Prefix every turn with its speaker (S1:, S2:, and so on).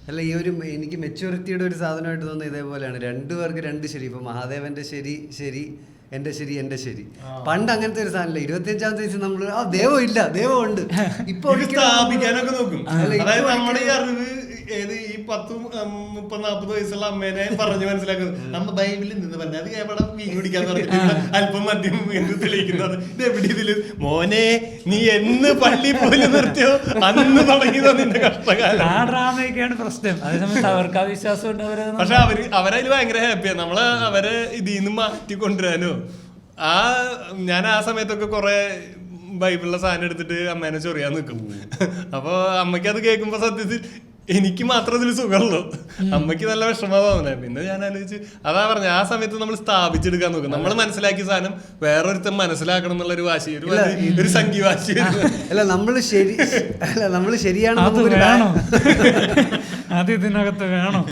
S1: അല്ല, ഈ ഒരു എനിക്ക് മെച്യൂരിറ്റിയുടെ ഒരു സാധനമായിട്ട് തോന്നുന്നത് ഇതേപോലെയാണ്. രണ്ടുപേർക്ക് രണ്ട് ശരി. ഇപ്പൊ മഹാദേവന്റെ ശരി ശരി, എന്റെ ശരി എന്റെ ശരി. പണ്ട് അങ്ങനത്തെ ഒരു സാധനമില്ല. 25-ാമത്തെ വയസ്സിൽ നമ്മള് ദൈവം ഇല്ല, ദൈവം ഉണ്ട്. ഇപ്പൊ
S2: സ്ഥാപിക്കാനൊക്കെ നോക്കും. അതായത് നമ്മുടെ ഈ അറിവ് ഏത് ഈ 10-30-40 വയസ്സുള്ള അമ്മേനെ പറഞ്ഞു മനസ്സിലാക്കുന്നത്. നമ്മ ബൈബിളിൽ നിന്ന് പറഞ്ഞ അത് എവിടെ മീൻ പിടിക്കാന്ന് പറഞ്ഞിട്ട് അല്പം മദ്യം എന്ന് തെളിയിക്കുന്നത്. ഇത് എവിടെ ഇതില് മോനെ നീ എന്ന് പള്ളി പോലും നിർത്തിയോ അന്ന് തുടങ്ങിയതോ നിന്റെ കഷ്ടകാലം.
S3: ആ ഡ്രാമയൊക്കെയാണ് പ്രശ്നം. അതേസമയത്ത് അവർക്ക് ആ വിശ്വാസം ഉണ്ട്.
S2: പക്ഷെ അവരതിൽ ഭയങ്കര ഹാപ്പിയാണ്. നമ്മള് അവരെ ഇതിൽ നിന്ന് മാറ്റി കൊണ്ടുവരാനോ. ഞാൻ ആ സമയത്തൊക്കെ കുറെ ബൈബിളിലെ സാധനം എടുത്തിട്ട് അമ്മേനെ ചൊറിയാൻ നിൽക്കും. അപ്പൊ അമ്മയ്ക്ക് അത് കേൾക്കുമ്പോ സത്യത്തിൽ എനിക്ക് മാത്രം ഇതിൽ സുഖമുള്ളൂ, അമ്മയ്ക്ക് നല്ല വിഷമമാവുന്നേ. പിന്നെ ഞാൻ ആലോചിച്ച് അതാ പറഞ്ഞ ആ സമയത്ത് നമ്മൾ സ്ഥാപിച്ചെടുക്കാൻ നോക്കും. നമ്മൾ മനസ്സിലാക്കിയ സാധനം വേറൊരുത്തൻ മനസ്സിലാക്കണം എന്നുള്ള ഒരു വാശി, ഒരു സംഖ്യവാശി.
S1: അല്ല, നമ്മള് ശരിയാണ്.
S3: അത് ഇതിനകത്ത് വേണം.